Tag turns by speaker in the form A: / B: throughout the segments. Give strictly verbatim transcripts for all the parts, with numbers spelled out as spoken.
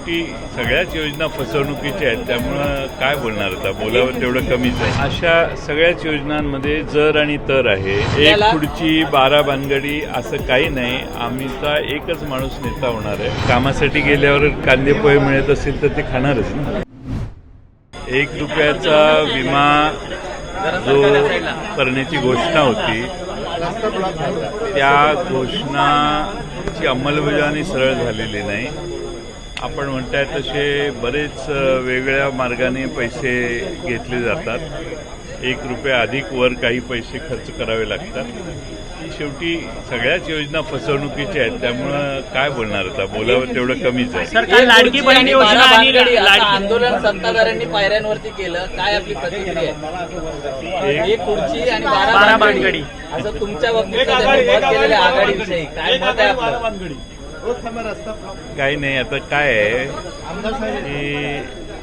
A: शेवटी सगळ्याच योजना फसवणुकीच्या आहेत, त्यामुळं काय बोलणार आता, बोलावं तेवढं कमीच आहे. अशा सगळ्याच योजनांमध्ये जर आणि तर आहे. एक खुर्ची बारा भानगडी असं काही नाही. आम्हीचा एकच माणूस नेता होणार आहे. कामासाठी गेल्यावर कांदे पोहे मिळत असेल तर ते खाणारच ना. एक रुपयाचा विमा जो करण्याची घोषणा होती त्या घोषणाची अंमलबजावणी सरळ झालेली नाही. आपण म्हणताय तसे बरेच वेगळ्या मार्गाने पैसे घेतले जातात. एक रुपया अधिक वर काही पैसे खर्च करावे लागतात. शेवटी सगळ्याच योजना फसवणुकीच्या आहेत, त्यामुळं काय बोलणार आता, बोलावं तेवढं कमीच आहे.
B: सरकार लाडकी बहीण योजना आणि
C: आंदोलन सत्ताधाऱ्यांनी पायऱ्यांवरती केलं, काय आपली प्रतिक्रिया आहे? एक खुर्ची आणि बारा भानगडी असं तुमच्या बाबतीत मत केलेल्या आघाडीविषयी काय मत आहे आपलं?
A: काही नाही. आता काय आहे की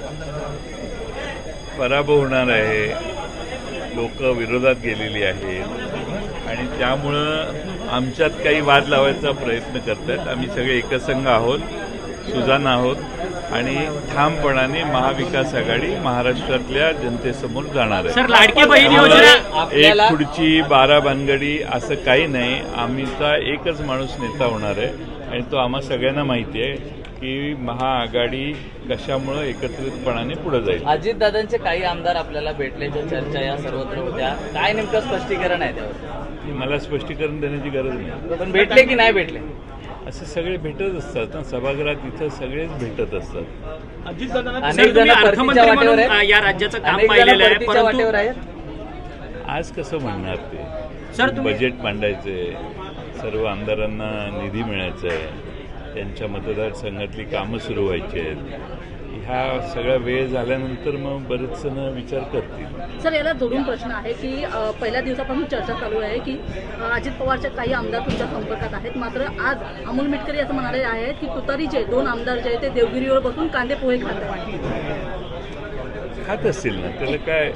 A: पराभव होणार आहे, लोक विरोधात गेलेली आहेत आणि त्यामुळं आमच्यात काही वाद लावायचा प्रयत्न करतात. आम्ही सगळे एकसंघ आहोत, सुजाण आहोत आणि ठामपणाने महाविकास आघाडी महाराष्ट्रातल्या जनतेसमोर जाणार आहे.
B: लाडकी बहीण योजना
A: एक खुर्ची बारा भानगडी असं काही नाही. आम्हीचा एकच माणूस नेता होणार आहे आणि तो आम्हा सगळ्यांना माहिती आहे की महाआघाडी कशामुळं एकत्रितपणाने पुढे जाईल.
C: अजितदादांचे काही आमदार आपल्याला भेटल्याच्या चर्चा या सर्वत्र होत्या. काय नेमकं स्पष्टीकरण आहे त्यावर?
A: मला स्पष्टीकरण देण्याची गरज नाही.
C: पण भेटले की नाही भेटले?
A: असे सगळे भेटत असतात ना सभागृहात, इथं सगळेच भेटत असतात.
C: अनेक जण परतीच्या वाटेवर आहेत,
B: या राज्याचं काम
C: अनेक जण
B: पाहिलेलं आहे,
C: परतीच्या वाटेवर
B: परंतु
C: आहेत.
A: आज कसं म्हणणार ते?
B: सर, तुम्ही-
A: बजेट मांडायचंय, सर्व आमदारांना निधी मिळायचा आहे, त्यांच्या मतदारसंघातली कामं सुरू व्हायची आहेत. ह्या सगळा वेळ झाल्यानंतर मग बरेच जण विचार करतील.
D: सर, याला जोडून प्रश्न आहे की अ, पहिल्या दिवसापासून चर्चा चालू आहे की अ, अजित पवारचे काही आमदार तुमच्या संपर्कात आहेत, मात्र आज अमोल मिटकरी असं म्हणाले आहेत की तुतारीचे दोन आमदार जे आहेत ते देवगिरीवर बसून कांदे पोहे खात आहेत.
A: खात असतील ना, त्याला काय,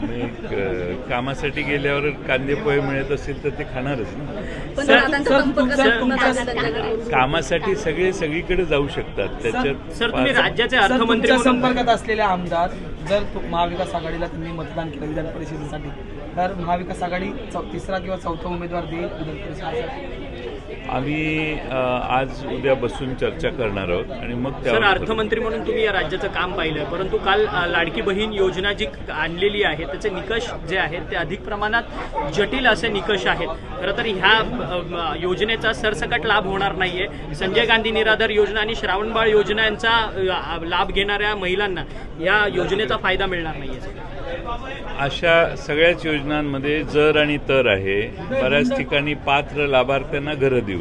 A: एक कामासाठी गेल्यावर कांदे पोहे मिळत असेल तर ते खाणारच ना.
D: पण दादांचा संपर्क साधून त्यांच्याकडे
A: कामासाठी सगळे सगळीकडे जाऊ शकतात. त्याच्यात
B: सर, तुम्ही राज्याचे अर्थमंत्री
E: तुमच्या
B: म्हणून
E: संपर्कात असलेले आमदार जर तु- महाविकास आघाडीला त्यांनी मतदान केलं विधान परिषदेसाठी, तर महाविकास आघाडी चौ- तिसरा किंवा चौथा उमेदवार देईल विधान परिषदेसाठी?
A: आम्ही अ, आज उद्या बसून चर्चा करणार आहोत आणि मग
B: सर,
A: त्यावर
B: अर्थमंत्री म्हणून तुम्ही या राज्याचं काम पाहिलंय, परंतु काल अ, लाडकी बहीण योजना जी आणलेली आहे त्याचे निकष जे आहेत ते अधिक प्रमाणात जटिल असे निकष आहेत. खरं तर ह्या अ, योजनेचा सरसकट लाभ होणार नाहीये. संजय गांधी निराधार योजना आणि श्रावणबाळ योजना यांचा अ, लाभ घेणाऱ्या महिलांना या योजनेचा फायदा मिळणार नाहीये.
A: अशा सगळ्याच योजनांमध्ये जर आणि तर आहे. बऱ्याच ठिकाणी पात्र लाभार्थ्यांना घरं देऊ.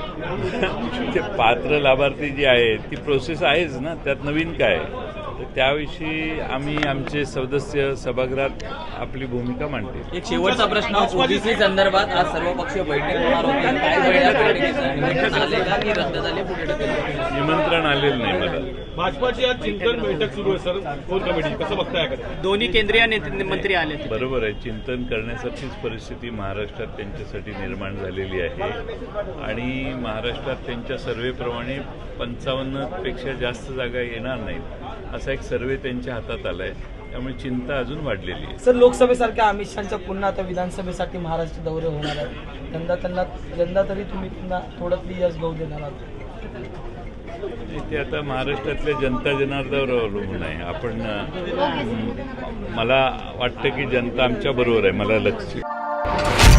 A: ते पात्र लाभार्थी जी आहे ती प्रोसेस आहेच ना, त्यात नवीन काय. तर त्याविषयी आम्ही आमचे सदस्य सभागृहात आपली भूमिका मांडतील.
C: एक शेवटचा प्रश्न, ओबीसी संदर्भात आज सर्वपक्षीय बैठक होणार होती. काय वेळा बैठकीचं निमंत्रण आले का की रद्द झाले? पुढे ढकलले?
A: निमंत्रण आलेलं नाही मला.
F: भाजपाची आज चिंतन बैठक सुरू आहे सर, कोर कमिटी कसं बघताय?
B: दोन्ही केंद्रीय नेते मंत्री आले.
A: बरोबर आहे, चिंतन करण्यासारखीच परिस्थिती महाराष्ट्रात त्यांच्यासाठी निर्माण झालेली आहे आणि महाराष्ट्रात त्यांच्या सर्व्हेप्रमाणे पंचावन्नपेक्षा जास्त जागा येणार नाहीत असा एक सर्व्हे त्यांच्या हातात आला आहे. त्यामुळे चिंता अजून वाढलेली आहे.
E: सर, लोकसभेसारख्या अमित शहाच्या पुन्हा आता विधानसभेसाठी महाराष्ट्र दौरे होणार आहेत. यंदा त्यांना यंदा तरी तुम्ही पुन्हा थोडं यश गहू देणार आहात?
A: ते आता महाराष्ट्रातल्या जनता जनार्दनावर अवलंबून आहे. आपण अं, मला वाटतं की जनता आमच्या बरोबर आहे. मला लक्ष